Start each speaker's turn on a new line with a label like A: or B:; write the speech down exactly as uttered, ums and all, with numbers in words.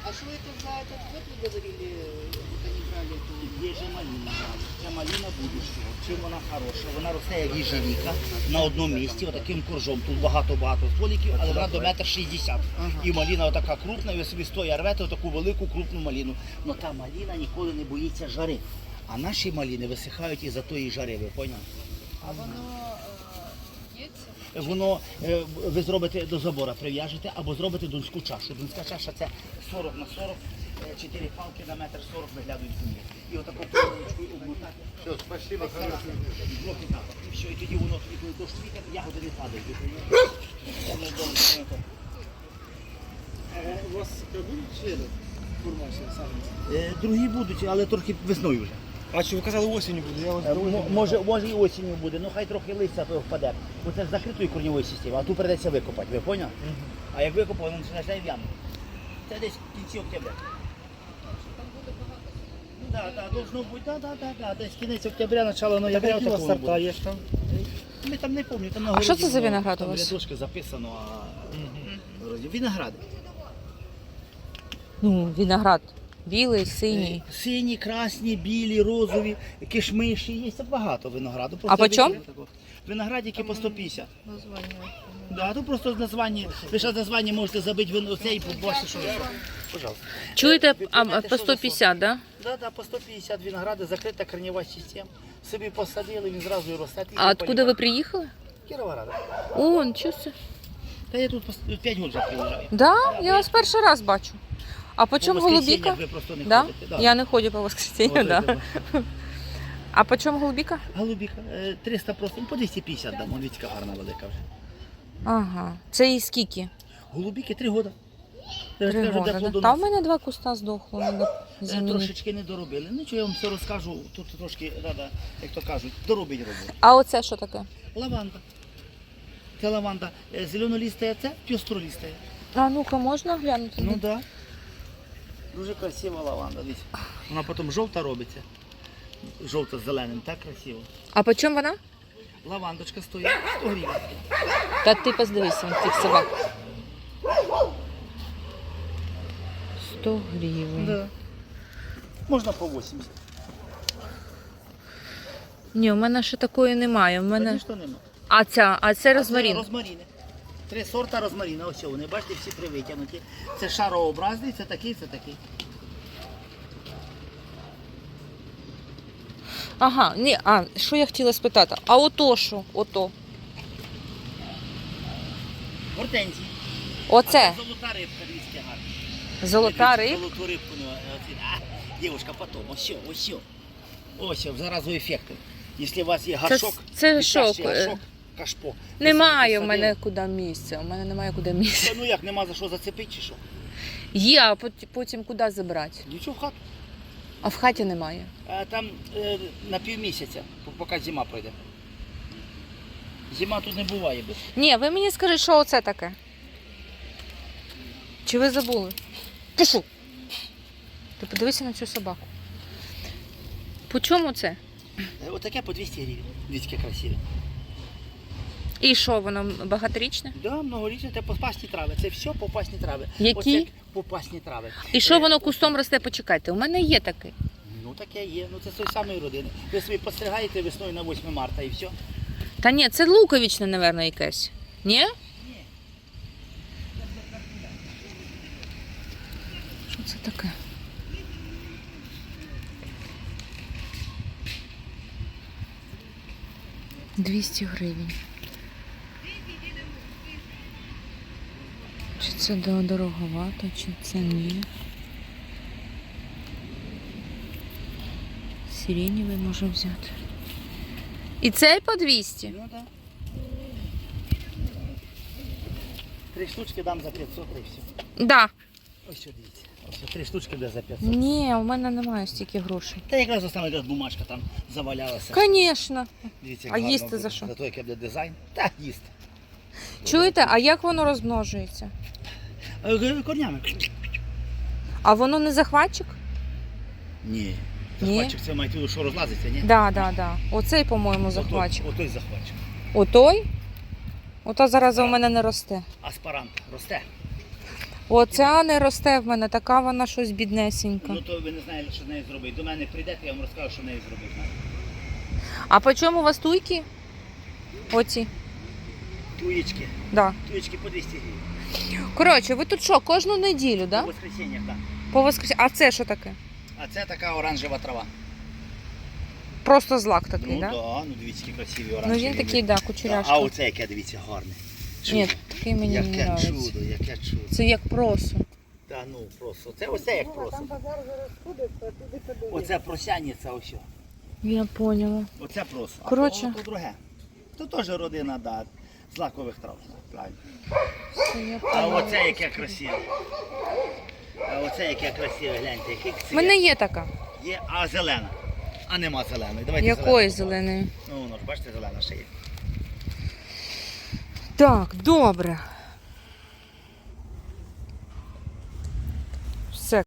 A: А что это за этот год вы говорили, это не брали?
B: Є же маліна. Ця маліна будущого. Чим вона хороша? Вона росте як їжевіка на одному місці, отаким коржом. Тут багато-багато стволиків, але вона до метр шістдесят. І маліна отака крупна, і ви собі стоя рвете отаку велику крупну маліну. Но та маліна ніколи не боїться жари. А наші маліни висихають із-за тої жари, ви поняли?
A: А воно е, є?
B: Воно, е, ви зробите до забора, прив'яжете або зробите донську чашу. Донська чаша це сорок на сорок, чотири палки на метр сорок виглядають в землі. І отаку полоничкою обмотати.
C: Все, спасибо, хорошо.
B: Блоки так. І все, і тоді воно тоді, коли дощ світить, ягоди не падають. Воно добре, воно так.
C: А у вас будуть члени формації саме?
B: Е, Другі будуть, але трохи весною вже.
C: А що ви казали осінню буде? Я вас
B: Е, мо- Може, може і осінню буде, ну хай трохи листя то впаде. Бо це з закритої корньової системи, а тут прийдеться викопати, ви поняли? А як викопав, він починає в яму. Це десь в кінці октября. Так, так, должно бути, так, так, так, так, десь кінець октября, начало ноября.
C: Які у вас
B: такого
C: сорта
B: буде.
C: є там?
B: Ми там не пам'ятаю, там на
D: А
B: городі,
D: що це за
B: ну,
D: виноград у
B: там
D: вас?
B: рядочки записано, а вроді виногради.
D: Ну, виноград. Білий, синій.
B: Е, Сині, красні, білі, розові, кишмиші, є багато винограду.
D: А по чому?
B: Виноградики по сто п'ятдесят.
A: Названня.
B: Да, тут просто названня, ви ще названня можете забити вино цей і побачити, що ви. Пожалуйста.
D: Чуєте,
B: Ви
D: а,
B: поймете,
D: по
B: що
D: сто п'ятдесят, да?
B: Да, да, по сто п'ятдесят виногради, закрита корнева система. Собі посадили, він зразу і росте.
D: А откуда ви приїхали?
B: Кіровограда.
D: О, нічого собі.
B: Та я тут п'ять років вже приїжджаю.
D: Да? Я вас перший раз бачу. А по чому
B: По воскресіннях
D: голубіка?
B: ви просто не
D: Да?
B: ходите. Да.
D: Я не ходжу по воскресенью,
B: От
D: да.
B: це,
D: А по чому голубіка?
B: Голубіка, е, триста просто, ну, по двісті п'ятдесят дамо, віцька гарна велика вже.
D: Ага. Це і скільки?
B: Голубіки три роки.
D: Три роки, да? Та в мене два куста здохло, треба замінити.
B: Трошечки не доробили. Ну, що я вам все розкажу, тут трошки треба, як то кажуть, доробить роботу.
D: А оце що таке?
B: Лаванда. Це лаванда. Е, Зеленолістая, це пістролістая.
D: А ну-ка, можна глянути?
B: Ну так. Да. Дуже красива лаванда. Дивіться. Вона потім жовта робиться. Жовта з зеленим, так красиво.
D: А по чому вона?
B: Лавандочка стоїть сто гривень.
D: Та ти поздивися на цих собак. сто гривень.
B: Да. Можна по вісімдесят.
D: Ні, у мене ще такої немає. У мене...
B: Звісно, нема.
D: А ця, а це
B: А це
D: розмарин.
B: розмаріни. Три сорта розмаріна. Ось вони, бачите, всі привитягнуті. Це шарообразний, це такий, це такий.
D: Ага, ні, а що я хотіла спитати? А ото що? Ото.
B: Гортензії.
D: Оце.
B: А це золота рибка, дивіться, гарна.
D: Золота
B: Дивіться,
D: риб.
B: Золоту рибку. ну, оці- А, дівчинка, потім, ось, що, ось. що. Ось, що, заразу ефекту. Якщо у вас є гашок,
D: це
B: дитячий
D: шок, е.
B: гашок, кашпо. ви
D: Немає в
B: собі
D: мене
B: посадили.
D: куди місця. У мене немає куди місця.
B: Та, ну як, нема за що зацепити чи що?
D: Є, а пот- потім куди забрати?
B: Нічого в хату.
D: А в хаті немає.
B: А там е, на півмісяця, по- поки зима пройде. Зима тут не буває без.
D: Ні, ви мені скажіть, що оце таке? Чи ви забули? Пишу. Ти подивися на цю собаку. По чому це?
B: Е, Отаке по двісті гривень. Дивіться, яке красиве.
D: І що, воно багаторічне?
B: Да, многорічне, це попасні трави. Це все попасні трави.
D: Які?
B: Оце попасні трави.
D: І що
B: Е,
D: воно кустом росте? Почекайте, у мене є таке.
B: Ну таке є. Ну це з тої самої родини. Ви собі постригаєте весною на восьме марта і все.
D: Та ні, це луковичне, мабуть, якесь. Ні? Що це таке? двісті гривень. Чи це до- дороговато, чи це ні? Сиреневий можу взяти. І цей по двісті?
B: Ну так. Три штучки дам за п'ятсот і все.
D: Да.
B: Ось що дивіться. Ось що, три штучки буде за п'ятсот.
D: Ні, у мене немає стільки грошей.
B: Та якраз остана якась бумажка там завалялася.
D: Звісно.
B: Дивіться,
D: А
B: як
D: їсти
B: гарно
D: за
B: буде.
D: що?
B: За те, яке буде дизайн. Та їсти.
D: Чуєте, а як воно розмножується?
B: Е, Корнями.
D: А воно не захватчик?
B: Ні.
D: Ні?
B: Захватчик це маєте в виду, що розлазиться, ні?
D: Да, да, да. Оцей, по-моєму, захватчик.
B: Отой, отой захватчик.
D: Отой? Ото зараз у мене не росте.
B: Аспарант росте.
D: Оця не росте в мене, така вона щось біднесенька.
B: Ну то ви не знаєте, що з нею зробити. До мене прийдете, я вам розкажу, що з нею зробити.
D: А по чому у вас туйки? Оці.
B: Туєчки.
D: Да.
B: Туєчки по двісті гривень.
D: Коротше, ви тут що, кожну неділю,
B: По
D: да?
B: воскресеньях, так.
D: По воскрес... А це що таке?
B: А це така оранжева трава.
D: Просто злак такий,
B: Ну
D: да?
B: так, да, ну дивіться, які красиві
D: Ну
B: оранжеві.
D: він такий, да,
B: А
D: кучеряшка.
B: оце яке, дивіться, гарне. Чудо.
D: Ні, такий мені не
B: Яке
D: подобається.
B: чудо, яке чудо.
D: Це як просо.
B: Та ну просто. Це оце як просто. Оце просяниця ось.
D: Я поняла.
B: Оце просто. А
D: Коротше.
B: то, то друге. То теж родина, да, злакових трав. Правильно.
D: Це я
B: А
D: поняла.
B: оце яке красиве. А оце яке красиве, гляньте, який
D: У
B: цвіт.
D: мене є така.
B: Є, а зелена. А нема зеленої. Давайте
D: Якої
B: зелену.
D: зеленої?
B: Ну, воно ж бачите, зелена ще є.
D: Так, добре.